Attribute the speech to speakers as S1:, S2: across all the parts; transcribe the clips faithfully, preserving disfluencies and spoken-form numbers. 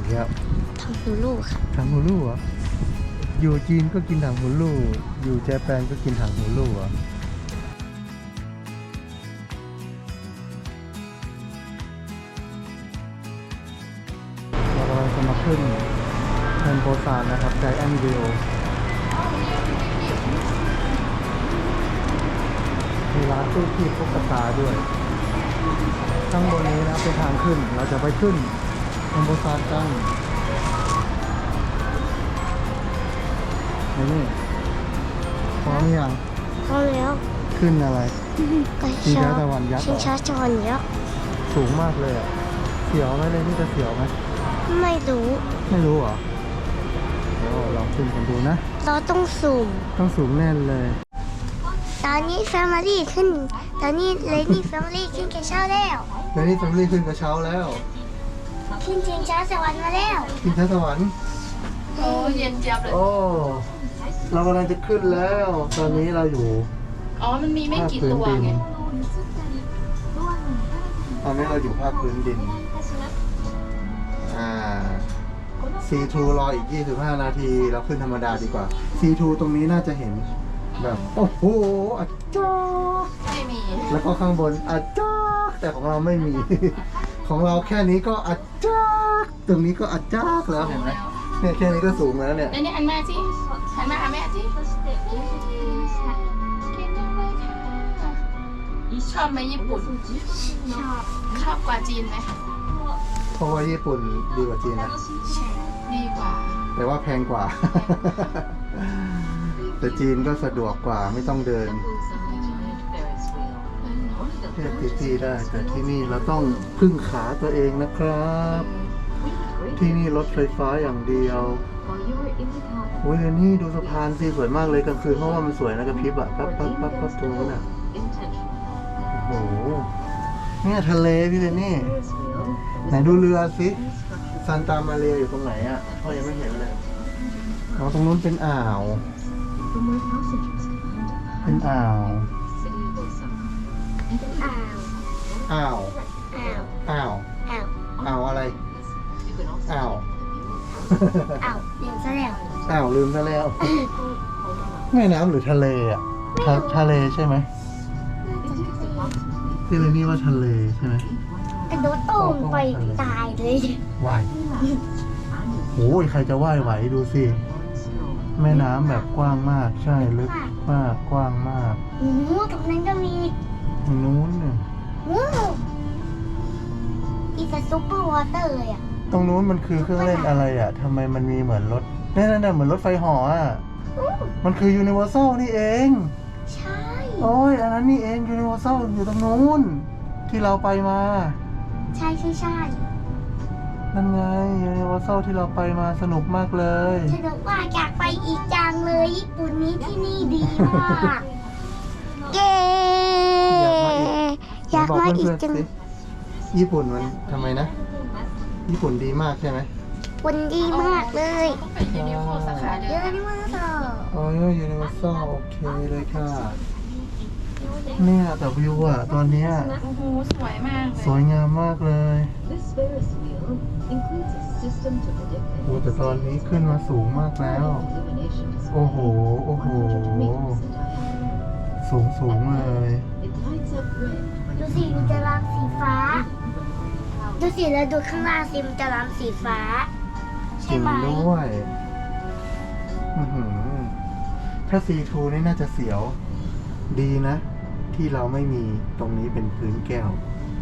S1: อีกแล้ว
S2: ถังหูลูกค่ะ
S1: ถังหูลูกเหรออยู่จีนก็กินถังหูลูกอยู่ญี่ปุ่นก็กินถังหูลูกเหรอเรากำลังจะมาขึ้นเทมโพซานนะครับใจแอนวิวมีร้านตู้คีบพวกกระตาด้วยข้างบนนี้นะเป็นทางขึ้นเราจะไปขึ้นเทมโพซานกันนี่พร้อมยัง
S2: พร้อมแล้ว
S1: ขึ้นอะไร
S2: ชิงช้า
S1: ตะวันยักษ์
S2: ชิงช้าตะวันยักษ์
S1: สูงมากเลยอ่ะเสียวไหมเลยนี่จะเสียวไหม
S2: ไม่รู้
S1: ไม่รู้เหรอโอ้ลองขึ้นกันดูนะ
S2: เราต้องสูง
S1: ต้องสูงแน่นเลย
S2: ตอนนี้แฟมิลี่ขึ้นตอนนี้เลนี่แฟมิลี่ขึ้นกระเช้าแล้ว
S1: เลนี่แฟมิลี่ขึ้นกระเช้าแล้ว
S2: ขึ้นชิงช้าสวรรค์มาแล้ว
S1: ชิงช้าสวรรค์
S3: โอ้เย็นเจี๊ยบเลย
S1: โอ้เรากำลังจะขึ้นแล้วตอนนี้เราอยู่
S3: อ๋อมันมีไม่กี่ตัวไง
S1: ตอนนี้เราอยู่ภาคพื้นดินอ่า ซี ทู รออีกยี่สิบห้านาทีเราขึ้นธรรมดาดีกว่า ซี ทู ตรงนี้น่าจะเห็นแบบโอ้โหอาจ้า
S3: ไม่มี
S1: แล้วก็ข้างบนอาจ้าแต่ของเราไม่มี ของเราแค่นี้ก็อาจ้าตรงนี้ก็อาจ้าแล้วเห็นไหมเนี่ยแค่นี้ก็สูงแล้วเนี่ย
S3: นี่หันมาสิหันมาหาแม่สิชอบไหมญี่ปุ่นชอบชอบกว่าจีนไหม
S1: เพราะว่าญี่ปุ่นดีกว่าจีนนะ
S3: ดีกว่า
S1: แต่ว่าแพงกว่า แต่จีนก็สะดวกกว่าไม่ต้องเดินเทียบที่ได้แต่ที่นี่เราต้องพึ่งขาตัวเองนะครับที่นี่รถไฟฟ้าอย่างเดียวโอ้ยนี่ดูสะพานสิสวยมากเลยกลางคืนเพราะว่ามันสวยนะกระพริบอะปั๊บปั๊บปั๊บปั๊บตรงนั้นอะโอ้โหเนี่ยทะเลพี่เลยนี่ไหนดูเรือสิซันตามาเรียอยู่ตรงไหนอะพ่อยังไม่เห็นเลยอ๋อตรงนู้นเป็นอ่าวเป็นอ่าวอ่าวอ่าวอ่าวอ่าวอะไรอ้าว
S2: อ้าวลืมซะแล้ว
S1: อ้าวลืมซะแล้วแม่น้ำหรือทะเลอ่ะทะทะเลใช่ไหมที่เลยนี่ว่าทะเลใช่ไหม
S2: กระโดดตุ้มไปตายเลย
S1: ว่ายโอ้ยใครจะว่ายไหวดูสิแม่น้ำแบบกว้างมากใช่ลึกมากกว้างมาก
S2: โอ้โหตรงนั้นก็มี
S1: ตรงนู้นเนี่ย
S2: ว้าวอีสซุปเปอร์วอเตอร์เลยอ่ะ
S1: ตรงนู้นมันคือเครื่องเล่นอะไรอ่ะทำไมมันมีเหมือนรถนี่นั่นๆเหมือนรถไฟเหาะอ่ะมันคือยูนิเวอร์แซลนี่เอง
S2: ใช่
S1: โอ้ยอันนั้นนี่เองยูนิเวอร์แซลอยู่ตรงนู้นที่เราไปมา
S2: ใช่ใช่ใช่
S1: นั่นไงยูนิเวอร์แซลที่เราไปมาสนุกมากเลย
S2: สนุกมากอยากไปอีกจังเลยญี่ปุ่นนี้ที่นี่ดีมากเย้อยากมาอีกจัง
S1: ญี่ปุ่นมันทำไมนะญี่ปุ่นดีมากใช่ไหม
S2: ญี่ปุ่นดีมากเลย
S3: เป็นยูนิเวอร์สาขาเดียว
S2: ยูนิเวอร์แซล
S1: อ๋อยูนิเวอร์แซลโอเคเลยค่ะเนี่ยแต่วิวอะตอนเนี้ย
S3: โอ้โหสวยมาก
S1: สวยงามมากเลยโอ้แต่ตอนนี้ขึ้นมาสูงมากแล้วโอ้โหโอ้โหสูงสูงเลย
S2: ดูสิมันจะรามสีฟ้าดูสิแล้วดูข้างล่างสิมันจะรามสีฟ้าใช่ไหม
S1: ด้วยถ้า ซี ทู นี่น่าจะเสียวดีนะที่เราไม่มีตรงนี้เป็นพื้นแก้ว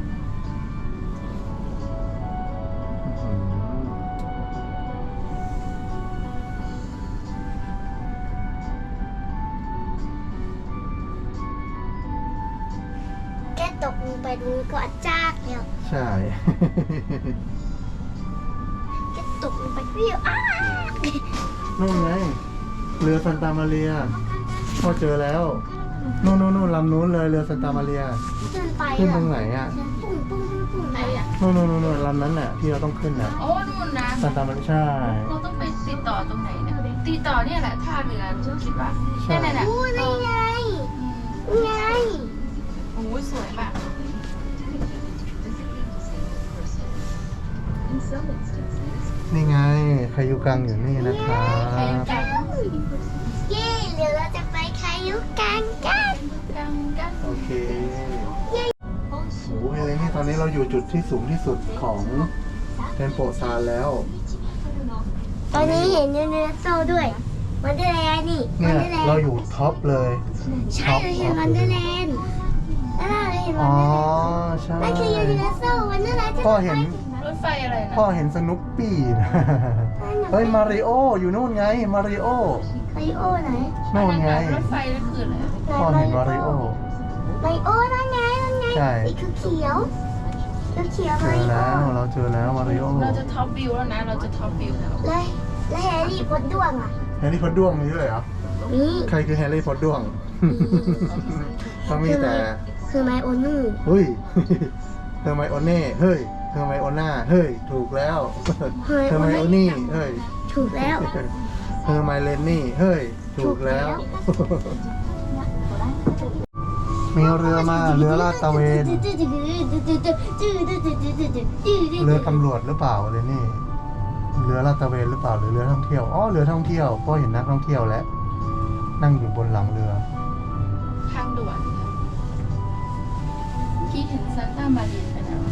S2: แค่ตกลงไปตรงนี้ก็อัดจากแล้ว
S1: ใช่
S2: แค่ตกลงไปวิวอ้า
S1: นู่นไงเรือซันตามาเรียพอเจอแล้วนู่นนู่นนู่นลำนู้นเลยเรือซันตามาเรียขึ้นตรงไหนอ่ะนู่นนู่นนู่นลำนั้นน่ะที่เราต้องขึ้นน่ะ
S3: โอ้นู่นนะ
S1: ซันตามาเรียใช่
S3: เราต้องไปติดต่อตรงไหนเนี่ยติดต่อเนี่ยแหละท่าเรือคิดว่า
S1: นั่น
S3: แหละ
S2: โอ้ยนี่ไงไง
S3: โอ้ยสวยมาก
S1: นี่ายุกังอยู่นี่นะครับ
S3: ใครกัน
S2: เย้เดี๋ยวเราจะไปคายุกังกัน
S3: กันกัน
S1: โอเคโอ้โหเฮเลนี่ตอนนี้เราอยู่จุดที่สูงที่สุดของเทมโปซานแล้ว
S2: ตอนนี้เห็นยูนิเวอร์แซลด้วยวันเดอร์แลนด์นี่วั
S1: เนี่
S2: น
S1: ย
S2: เดอร์แลน
S1: เรา
S2: ด์
S1: อยู่ท็อปเลย
S2: ใช่เราเห็นวันเดอร์แลนด์แล้วเราเห็นวั
S1: อ๋
S2: น
S1: อ
S2: เดอร์แลนด์
S1: ใช่
S2: นั่นคือยูนิเวอร์แซลวันเดอร์แลนด์จะ
S1: พ่อเห็น
S3: รถไฟอะไรนะ
S1: พ่อเห็นสนุปปี้นะ เฮ้ยมาริโออยู่นู่นไงมาริโอ
S2: ไมโอไหน
S1: นู่นไง
S3: รถไฟนั่นคืออะไร
S1: พ่อเห็นมาริโอ
S2: ไมโอนั่นไงนั่นไง
S1: ใช่
S2: ไอ้คือเขียวคือเขียว
S1: เจ
S2: ไม
S1: อ
S2: โอ
S1: แล้วเราเจอแล้วมาริโอ
S3: เราจะท็อปวิวแล้วนะ เราจะท็อปวิวแล้ว
S2: แล้วแล้วแฮร์รี่พอตด้วงอ่ะ
S1: แฮร์รี่พอตด้วงมีด้วยเหรอ
S2: นี่
S1: ใครคือแฮร์รี่พอตด้วงต้องมีแต่
S2: คือไมโอนู
S1: เฮ้ย เธอไมโอเน่ เฮ้ย เธอไมโอน่า เฮ้ย ถูกแล้ว เธอไมโอนี่ เฮ้ย
S2: ถูกแล้ว
S1: เธอไมเลนนี่ เฮ้ย ถูกแล้ว มีเรือมา เรือลาดตระเวน เรือตำรวจหรือเปล่าเลนนี่ เรือลาดตระเวนหรือเปล่าหรือเรือท่องเที่ยว อ๋อ เรือท่องเที่ยวเพราะเห็นนักท่องเที่ยวแล้ว นั่งอยู่บนหลังเรือ
S3: ทางด่วนคิดถึงซานต้ามารีนไปแล้ว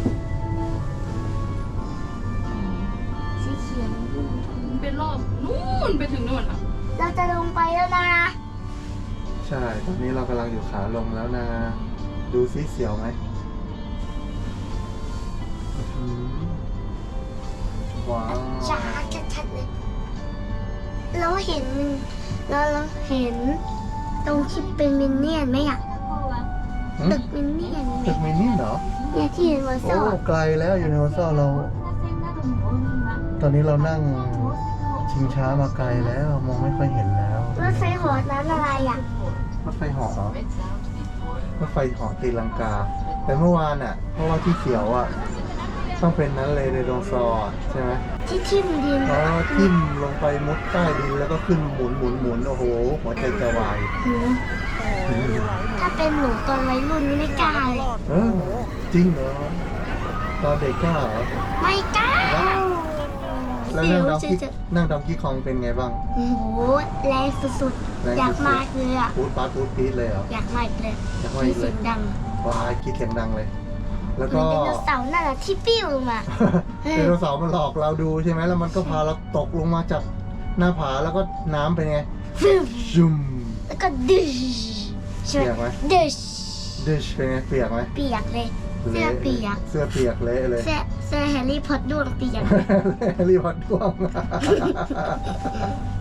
S2: สีเขียว
S3: เป็นรอบนู่นไปถึงนู่นอ่ะ
S2: เราจะลงไปแล้วนะ
S1: ใช่ ตอนนี้เรากำลังอยู่ขาลงแล้วนะ ดูซิเสียวไหมอืมว้าว
S2: จ้าชัดๆเลย เราเห็นเราเราเห็น ตรงที่เป็นมินเนี่ยนไหมอ่ะ
S1: หึ
S2: ตึกมินเนี่ยนไหม
S1: ตึกมินนี่เหรอ
S2: เนี่ยที่เห็นวอร์
S1: โอ้
S2: ซอ
S1: ไกลแล้วยูนิเวอร์แซลเรา ตอนนี้เรานั่งชิงช้ามาไกลแล้ว มองไม่ค่อยเห็นแล้ว
S2: รถไฟเหอนั้นอะไรอ่ะ
S1: รถไฟเหาะเหรอรถไฟเหาะตีลังกา แต่เมื่อวานอ่ะ เพราะว่าที่เขียวอ่ะ ต้องเป็นนั้นเลยในโดซอร์ใช่ไหม
S2: ที่ทิ่มดิน
S1: อ๋อทิ่มลงไปมุดใต้ดินแล้วก็ขึ้นหมุนหมุนหมุนโอ้โห หัวใจจะวาย
S2: หือถ้าเป็นหนูตอนวัยรุ่นนี่ไม่กล้าเลย
S1: เออจริงเหรอ ตอนเด็กกล้าเหรอ
S2: ไม่กล้า
S1: แล้ว
S2: เสี
S1: นั่
S2: ย
S1: ง
S2: ว
S1: ดอง
S2: จะ
S1: กี้
S2: จะ
S1: นั่งดองกี้คองเป็นไงบ้าง
S2: โอ้โหแรงสุด
S1: แรงสุดๆ
S2: ๆ อยากมากเลยอ่ะ
S1: พูดปาร์ตพูดปี๊ดเลยเหรอ
S2: อยากมากเลย
S1: อยากมา
S2: มี
S1: อีกเล
S2: เสี
S1: ย
S2: ยงดัง
S1: ว้ายคิดเสียงดังเลย แล้ว
S2: เหมื
S1: ก็
S2: อนไดโนเสาร์นั่นแหละที่ปิ้วลงมา
S1: ไดโนเสาร์มันหลอกเราดูใช่ไหมแล้วมันก็พาเราตกลงมาจากหน้าผาแล้วก็น้ำเป็นไง
S2: ฟึ่ม
S1: ซุ่ม
S2: แล้วก็ดึชใช่
S1: เปียกไห
S2: ไห
S1: ม
S2: มดึช
S1: ดิชเป็นไงเปียกไหม
S2: เปียกเลย เสื้อเปียก
S1: เสื้อเปียกเละเลย
S2: เสื้อเสื้อแฮร์รี่พอตด้วงเปียก
S1: แฮร์รี่พอตด้วง